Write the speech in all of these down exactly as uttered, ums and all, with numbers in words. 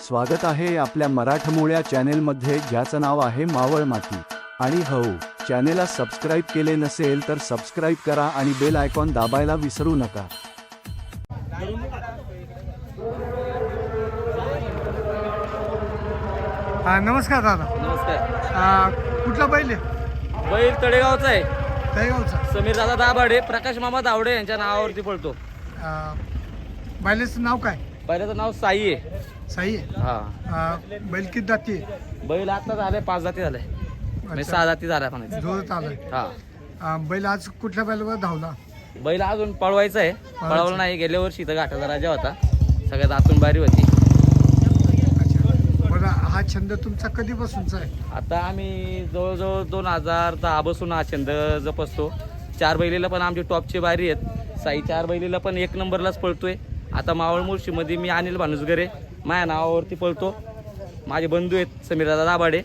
स्वागत आहे आपल्या मराठमोळ्या चॅनेलमध्ये, ज्याचं नाव आहे मावळ माती. आणि हो, चॅनेलला सबस्क्राईब केले नसेल तर सबस्क्राईब करा आणि बेल आयकॉन दाबायला विसरू नका. हा, नमस्कार दादा. नमस्कार. आ, कुठला बैल आहे? बैल तळेगावचा आहे. तळेगावचा. समीर दादा दाभाडे, प्रकाश मामा दावडे यांच्या नावावरती पळतो. आ, बैलाचं नाव काय? बैलाचं नाव साई आहे. साई आहे. हा. आ, बैल किती दाती आहे? बैल आता झाले पाच जाती झाले, म्हणजे अच्छा. सहा जाती झाल्या म्हणायचं. जोरात आलाय. हा. आ, बैल आज कुठल्या बैलावर धावला? बैल अजून पळवायचा आहे, पळवला नाही. गेल्या वर्षी इथं घाटाचा राजा होता, सगळ्यात आतून बारी होती. अच्छा. बरं, हा छंद तुमचा कधीपासूनचा आहे? आता आम्ही जवळजवळ दोन हजार दहा बसून हा छंद जपसतो. चार बैलीला पण आमची टॉपची बारी आहेत. साई चार बैलीला पण एक नंबरलाच पळतोय. आता मावळ मुळशीमध्ये मी अनिल भानुसगरे माझ्या नावावरती पळतो. माझे बंधू आहेत समीरदादा दाभाडे.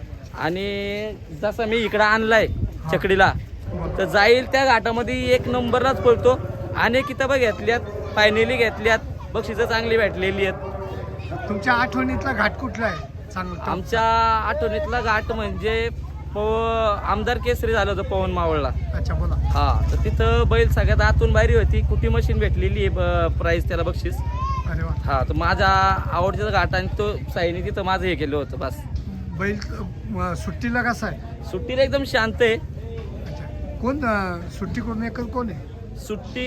आणि जसं मी इकडं आणलाय चकडीला, तर जाईल त्या घाटामध्ये एक नंबरलाच पळतो. अनेक किताबं घेतल्यात, फायनली घेतल्यात, बक्षिसं चांगली भेटलेली आहेत. तुमच्या आठवणीतला घाट कुठला आहे? चांगला. आमच्या आठवणीतला घाट म्हणजे पव आमदार केसरी झालं होतं पवन मावळला. अच्छा, बोला. हा, तर तिथं बैल सगळ्यात आतून बाहेर होती. कुटी मशीन भेटलेली आहे, प्राईज त्याला बक्षीस. अरे वा. हा, तर माझा आवडतीचा घाट आणि तो साईने तिथं माझं हे केलं होतं. बस. बैल अ, सुट्टीला कसा आहे? सुट्टीला एकदम शांत आहे. अच्छा. कोण अ, सुट्टी कोण एकच कोण आहे? सुट्टी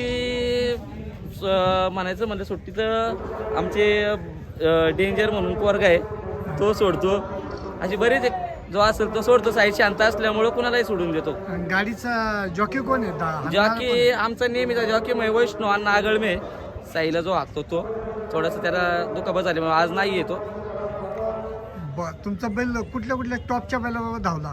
स- म्हणायचं म्हणजे सुट्टीचं आमचे डेंजर म्हणून पोरग आहे, तो सोडतो. अशी बरेच एक जो असेल तो सोडतो. साईड शांत असल्यामुळं कुणालाही सोडून देतो. आणि गाडीचा जॉकी कोण आहे? दा- हाणणारा कोण जॉकी आहे? आमचा नेहमीचा जॉकी मै वैष्णव अण्णा आगळमे. साईला जो हाकतो तो थोडासा त्याला दुखापत झाली, आज नाही येतो. ब- तुमचा बैल कुठल्या कुठल्या टॉपच्या बैलावर धावला?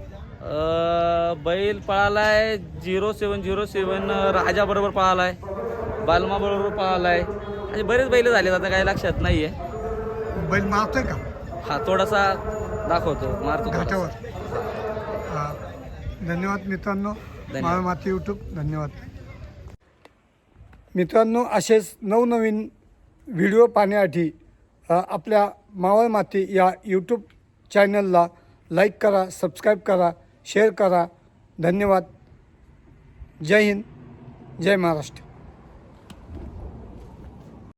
अं, बैल पळालाय झिरो सेवन झिरो सेवन राजा बरोबर पळालाय, बालमा बरोबर पळालाय. आणि बरेच बैल झाले, आता काही लक्षात नाहीये. बैल मारतोय का हा, थोडासा दाखवतो, मारतो थोडासा. घाटावर? हा. धन्यवाद मित्रांनो. मावळ माती यूट्यूब. धन्यवाद मित्रांनो. असेच नवनवीन व्हिडिओ पाहण्यासाठी अ, आपल्या मावळ माती या यूट्यूब चॅनलला लाईक करा, सबस्क्राईब करा, शेअर करा. धन्यवाद. जय हिंद, जय महाराष्ट्र.